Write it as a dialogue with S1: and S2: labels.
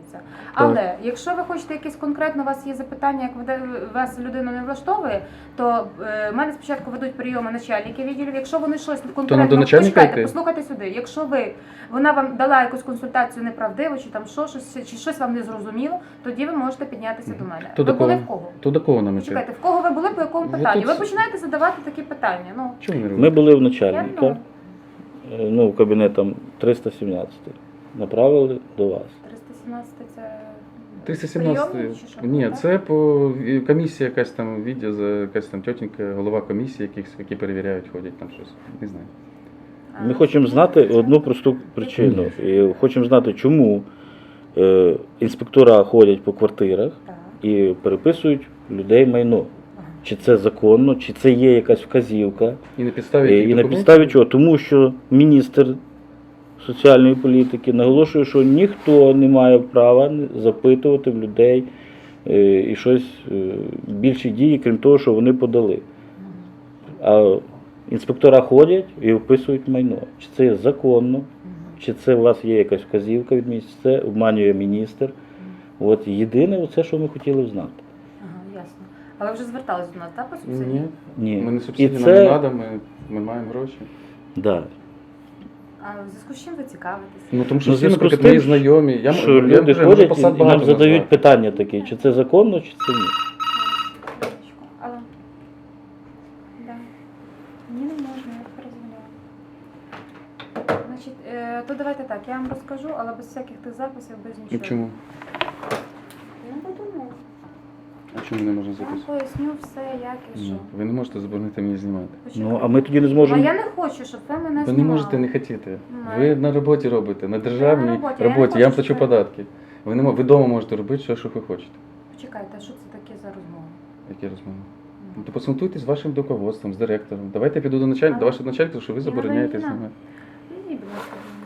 S1: вирішується. Але якщо ви хочете якесь конкретно, у вас є запитання, як вас людина не влаштовує, то в мене спочатку ведуть прийоми начальники відділів. Якщо вони щось конкретно,
S2: до начальника йти?
S1: послухайте сюди. Якщо вона вам дала якусь консультацію неправдиву, чи там чи щось вам не зрозуміло, тоді ви можете піднятися до мене.
S2: То
S1: ви
S2: до
S1: були
S2: кого?
S1: в кого?
S2: То до кого нам іти?
S1: Чекайте, в кого ви були, по якому
S2: Ви
S1: питанню?
S2: тут-
S1: Ви починаєте задавати такі питання. Ну,
S2: Чому не робите?
S3: Ми були в
S1: я,
S3: начальника, в кабінетом 317. Направили до вас.
S1: 317 це
S2: 317.
S1: прийомні чи що?
S2: Ні,
S1: Так?
S2: це комісія якась там, якась там тітенька, голова комісії, які перевіряють, ходять там щось. Не знаю.
S3: Ми хочемо знати одну просту причину. І хочемо знати, чому інспектора ходять по квартирах
S1: Так.
S3: і переписують людей майно. Чи це законно, чи це є якась вказівка.
S2: І на підставі яких
S3: І на
S2: документів?
S3: підставі чого? Тому що міністр соціальної політики наголошує, що ніхто не має права запитувати в людей і щось більші дії, крім того, що вони подали. А інспектора ходять і описують майно. Чи це є законно, чи це у вас є якась вказівка від міністра, це обманює міністр. От єдине, оце, що ми хотіли знати.
S1: Ага, ясно. А ви вже звертались до нас, так, по субсидії?
S2: Ні.
S3: Ні.
S2: Ми не
S3: І
S2: субсидії, нам
S3: це-
S2: не треба, ми маємо гроші.
S3: Да.
S1: А в зв'язку з чим ви цікавитесь?
S2: Ну тому що
S3: Ну, в
S2: всі,
S3: зв'язку з
S2: наприклад,
S3: тим,
S2: мої знайомі.
S3: Що люди
S2: вже
S3: ходять
S2: посад
S3: і нам
S2: багато
S3: задають
S2: назвати.
S3: питання такі, чи це законно, чи це ні.
S1: Алло. Да. Ні, не можна, я перезвоняла. Значить, то давайте так, я вам розкажу, але без всяких тих записів, без
S2: Ну
S1: нічого.
S2: чому?
S1: Я не подумала.
S2: А чому не можна
S1: Я вам
S2: записувати?
S1: поясню все, як і що.
S2: Ну, ви не можете заборонити мені знімати.
S1: Почекайте.
S3: Ну, а ми тоді не
S1: А
S3: зможемо.
S1: я не хочу, щоб ви мене
S2: Ви
S1: знімали.
S2: не можете не хотіти.
S1: Ну,
S2: Ви на роботі робите, на державній
S1: Я на роботі, я не
S2: роботі. Я вам
S1: хочу,
S2: плачу
S1: щоб ви-
S2: податки. Ви вдома можете робити все, що ви хочете.
S1: Почекайте, а що це таке за розмова?
S2: Які розмови? Ну, то посунтуйтесь з вашим руководством, з директором. Давайте я піду до начальника, до вашого начальника, що ви забороняєте
S1: не знаю.
S2: знімати.
S1: Ідіть, будь ласка.